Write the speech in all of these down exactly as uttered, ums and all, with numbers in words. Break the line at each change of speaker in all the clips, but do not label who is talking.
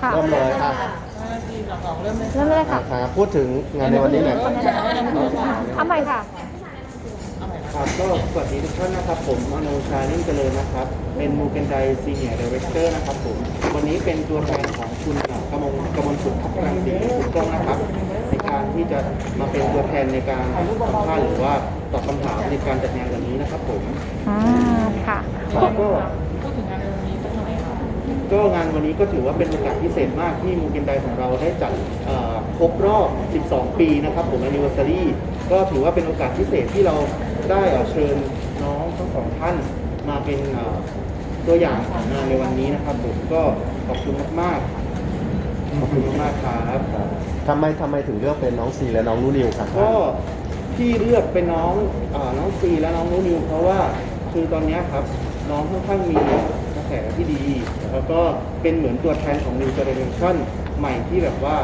เริ่มเลยค่ะ
เริ่มเลยค่ะ
พูดถึงงานในวันนี้หน่อย
เอาใหม่ค่ะ
ครับก็สวัสดีทุกท่านนะครับผมมโนชานิ่มเจริญนะครับเป็นมูเกนไดซีเนียร์ดีเรคเตอร์นะครับผมวันนี้เป็นตัวแทนของคุณกมลกมลสุขพัฒรังสีถูกต้องนะครับในการที่จะมาเป็นตัวแทนในการสัมภาษณ์หรือว่าตอบคำถามในการจัดงานวันนี้นะครับผม
อ่าค่ะ
ก็พูดถึงงานวันนี้สักหน่อยครับก็งานวันนี้ก็ถือว่าเป็นโอกาสพิเศษมากที่มูเกนไดของเราได้จัดครบรอบสิบสองปีนะครับผม anniversary ก็ถือว่าเป็นโอกาสพิเศษที่เราได้เชิญน้องทั้งสองท่านมาเป็นตัวอย่างของงานในวันนี้นะครับผมก็ขอบคุณมากๆขอบคุณมากครับ
ทำไมทำไมถึงเลือกเป็นน้องซีและน้องนูนิวครับ
ก็ที่เลือกเป็นน้องน้องซีและน้องนูนิวเพราะว่าคือตอนนี้ครับน้องค่อนข้างมีกระแสที่ดีแล้วก็เป็นเหมือนตัวแทนของ New Generation ใหม่ที่แบบว่า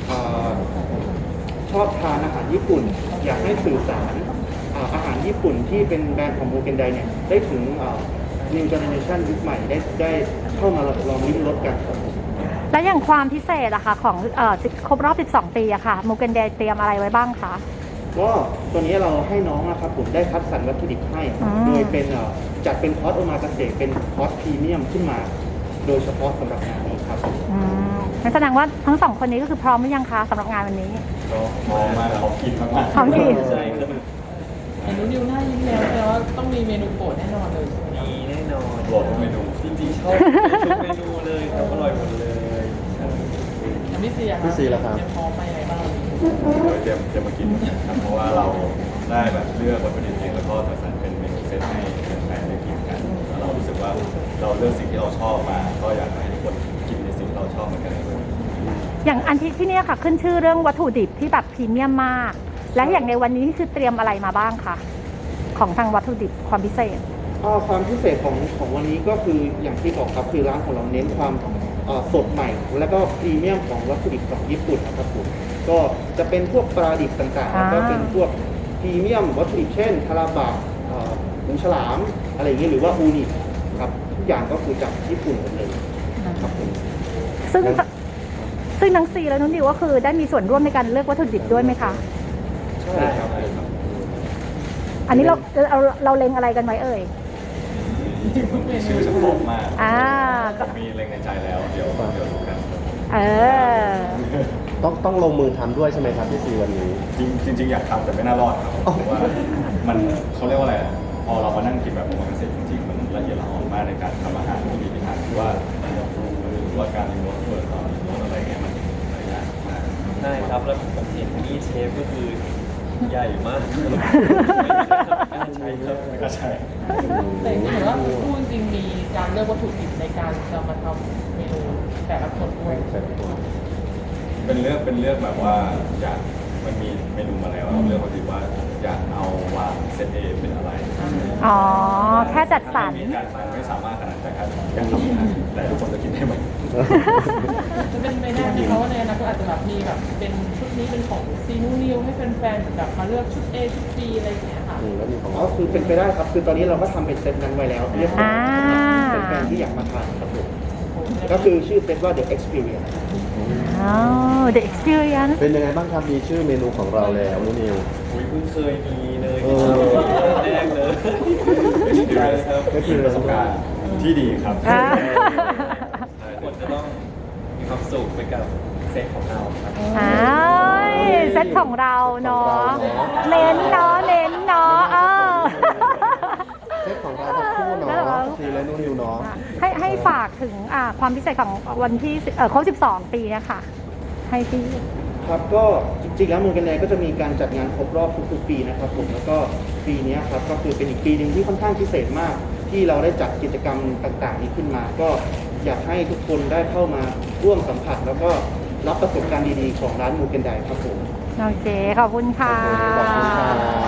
ชอบทานอาหารญี่ปุ่นอยากให้สื่อสารอาหารญี่ปุ่นที่เป็นแบรนด์ของมูเกนไดเนี่ยได้ถึง New Generation ยุคใหม่ได้ได้เข้ามาลองลิ้มรสกันครับ
และอย่างความพิเศษอะค่ะของเอ่อครบรอบสิบสองปีอะค่ะมูเกนไดเตรียมอะไรไว้บ้างคะ
ก็ตัวนี้เราให้น้องนะครับผมได้คัดสรรวัตถุดิบให้โดยเป็นจัดเป็นคอร์สโอมากาเสะเป็นคอร์สพรีเมียมขึ้นมาโดยเฉพาะสำหรับงานนี้ครับ
อืมงั้นแสดงว่าทั้งสองคนนี้ก็คือพร้อมหรือยังคะสำหรับงานวันนี้
ก็พร้อมมากของกินมาก
ๆของกิน
ใช่ครับ
เมนูนิวน่ายิ้มแล้วแต่ว่าต้องมีเมนูโปรดแน่นอนเลย
มีแน่นอนโปรดเมนูจริงๆชอบทุกเมนูเลยครับอร่อยหมดเลย
พี่ซีอะครับ
พี่ซีแล้วครับ
เตรียมพร้อมไปไหนบ้าง
เตรียมเตรียมมากินครับเพราะว่าเราได้แบบเลือกวัตถุดิบเองแล้วก็จัดสรรเป็นเมนูเซตให้แฟนๆได้กินกันแล้วเรารู้สึกว่าเราเลือกสิ่งที่เราชอบมาก็อยากให้ทุกคนกินในสิ่งที่เราชอบเหมือนกันเลย
อย่างอันที่ที่นี่ค่ะขึ้นชื่อเรื่องวัตถุดิบที่แบบพรีเมียมมากและอย่างในวันนี้คือเตรียมอะไรมาบ้างคะของทางวัตถุดิบความพิเศษ
ความพิเศษของของวันนี้ก็คืออย่างที่บอกครับคือร้านของเราเน้นความสดใหม่และก็พรีเมียมของวัตถุดิบของญี่ปุ่นนะครับผมก็จะเป็นพวกปลาดิบต่างๆแล้วก็เป็นพวกพรีเมียมวัตถุดิบเช่นทาราบะหมูฉลามอะไรอย่างเงี้ยหรือว่าอูนิครับทุกอย่างก็คือจากญี่ปุ่นหมดเลยครับผม
ซึ่งซึ่งทั้งซีและน้องนิวก็คือได้มีส่วนร่วมในการเลือกวัตถุดิบด้วยไหมคะ
ใช่ครับ
อันนี้เราเราเราเล็งอะไรกันไว้เอ่ย
ชื่อเฉพาะมาก
อ่า
มีเล็งในใจแล้วเดี๋ยวเดี๋ยวดูกัน
เออ
ต้องต้องลงมือทำด้วยใช่ไหมครับพี่ซีวันนี้
จริงจริงอยากทำแต่ไม่น่ารอดครับเพราะว่ามันเขาเรียกว่าอะไรพอเรามานั่งกินแบบโอมากาเสะจริงๆมันละเอียดละออมากในการทำอาหารที่มีพิถีพิถันหรือว่าหรือว่าการรีโมทเปิดต่อรีโมทอะไรเงี้ยมันหลายอย่างมาก
ใช่ครับแล้วผมเห็นมีเชฟก็คือใหญ่มาก
ใช่ครับก็ใช่
แต่จริงๆว่าพูดจริงมีการเลือกวัตถุดิบในการจะมาทำเมนูแต่ละคนด้วย
เป็นเลือกเป็นเลือกแบบว่าอยากมันมีเมนูมาแล้วเราเลือกวัตถุดิบว่าอยากเอาว่าเซตเอเป็นอะไร
อ๋อแค่จัดสรร
ไม่สามารถขนาดแต่การอยากทำแต่ทุกคนจะกินได้ไหม
จะเป็นไปได้ไหมเพราะว่าในอนาคตอาจจะแบบมีแบบเป็นชุดนี้เป็นของซีนูนิวให้แฟนๆแบบมาเลือกชุด A ชุด B อะไรอย่างเงี้ยค่ะ
อ๋อคือเป็นไปได้ครับคือตอนนี้เราก็ทำเป็นเซตนั้นไว้แล้วเรียบร้อยเป็นแฟนที่อยากมาทานครับผมก็คือชื่อเซตว่า The Experience
อ๋อ The Experience
เป็นยังไงบ้างครับมีชื่อเมนูของเราแล้วนูนิว
อุ้ยเพิ่งเคยมีเลยแรกเลย
ก็คือประสบการณ์ที่ดีครับ
คนจะต้องมีความสุขไปกับเซตของเราครับ
อ้าวเซตของเราเนาะเน้นเนาะเน้นเนาะเออ
เซตของเราทั้งคู่เนาะซีและนูนิวเนาะ
ให้ให้ฝากถึงความพิเศษของวันที่ครบสิบสองปีนะคะให้พี่
ครับก็จริงๆแล้วมูเกนไดก็จะมีการจัดงานครบรอบทุกๆปีนะครับผมแล้วก็ปีนี้ครับก็คือเป็นอีกปีหนึ่งที่ค่อนข้างพิเศษมากที่เราได้จัดกิจกรรมต่างๆนี้ขึ้นมาก็อยากให้ทุกคนได้เข้ามาร่วมสัมผัสแล้วก็รับประสบการณ์ดีๆของร้านมูเกนไดครับผม
โอเคขอบคุณค่ะ
ขอบคุณค่ะ